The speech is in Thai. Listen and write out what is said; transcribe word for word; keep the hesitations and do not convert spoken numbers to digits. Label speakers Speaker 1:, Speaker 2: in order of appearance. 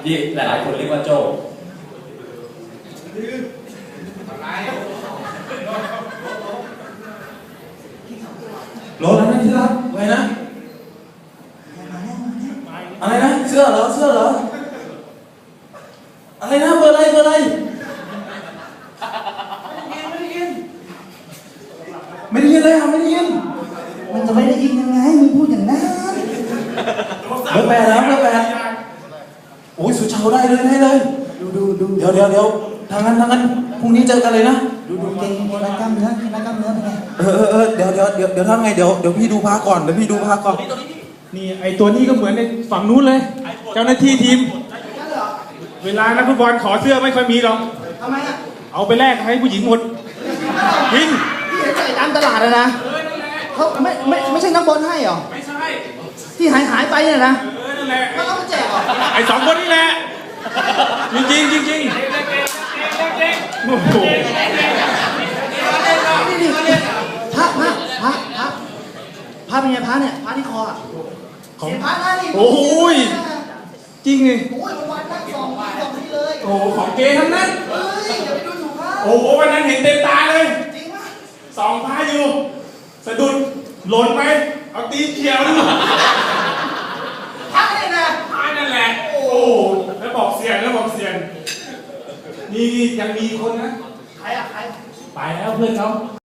Speaker 1: ที่หลายๆคนเรียกว่าโจ้โหลแล้วนะที่รักไว้นะอะไรนะเสื้อเหรอเสื้อเหรออะไรนะเบอร์อะไรเบอร์อะไรไม่ได้ยินเลยอ่ะไม่ได้ยิน
Speaker 2: มันจะไม่ได้ยินยังไงมึงพูดอย่างนั้น
Speaker 1: เบอร์แปดแล้วเบอร์แปดโอ้ยสุชาวได้เลยได้เลย
Speaker 2: ดูดูดู
Speaker 1: เดี๋ยวเดี๋ยวเดี๋ยวทางนั้นทางนั้นพรุ่งนี้เจอกันเลยนะ
Speaker 2: ดูดูเก่งรักกล้ามเนื้อรักกล้ามเนื้อเป็นไง
Speaker 1: เออเออเดี๋ยวเดี๋ยวเดี๋ยวเดี๋ยวทำไงเดี๋ยวเดี๋ยวพี่ดูพาก่อนเดี๋ยวพี่ดูพาก่อน
Speaker 3: นี่ไอตัวนี้ก็เหมือนในฝั่งนู้นเลยเจ้าหน้าที่ทีมเวลานักฟุตบอลขอเสื้อไม่ค่อยมีหรอก
Speaker 2: ทำไมอ่ะ
Speaker 3: เอาไปแลกให้ผู้หญิงหมดยิง
Speaker 2: ที่เห็นใส่ตามตลาดเลยนะเขาไม่ไม่ไม่ใช่นักบอลให้หรอ
Speaker 3: ไม่ใช่
Speaker 2: ที่หายหายไปเนี่ยนะ
Speaker 3: เออนั่นแหละ
Speaker 2: เขาเอามาแจกหรอ
Speaker 3: ไอสองคนนี่แหละจริงจริงจริงจริงโอ้โห
Speaker 2: นี่นี่พระพระพระพระพระเป็นไงพระเนี่ยพระที่คออ่ะของพระหน้านี่
Speaker 3: โอ้ยจริงไง
Speaker 2: โอ้ยวันนั่งสองวันสองนี่เลย
Speaker 3: โอ้ของเกทั้งนั้น
Speaker 2: เฮ้ยอย่าไปดูถูกพระ
Speaker 3: โอ้โหวันนั้นเห็นเต็มตาเลย
Speaker 2: จริงปะ
Speaker 3: สองพระอยู่สะดุดหล่นไปเอาตีเขียวดู
Speaker 2: พระเนี่ยนะ
Speaker 3: พระนั่นแหละโอ้แล้วบอกเสียงแล้วบอกเสียงนี่ยังมีคนนะ
Speaker 2: ใครอ่ะใคร
Speaker 3: ไปแล้วเพื่อนเขา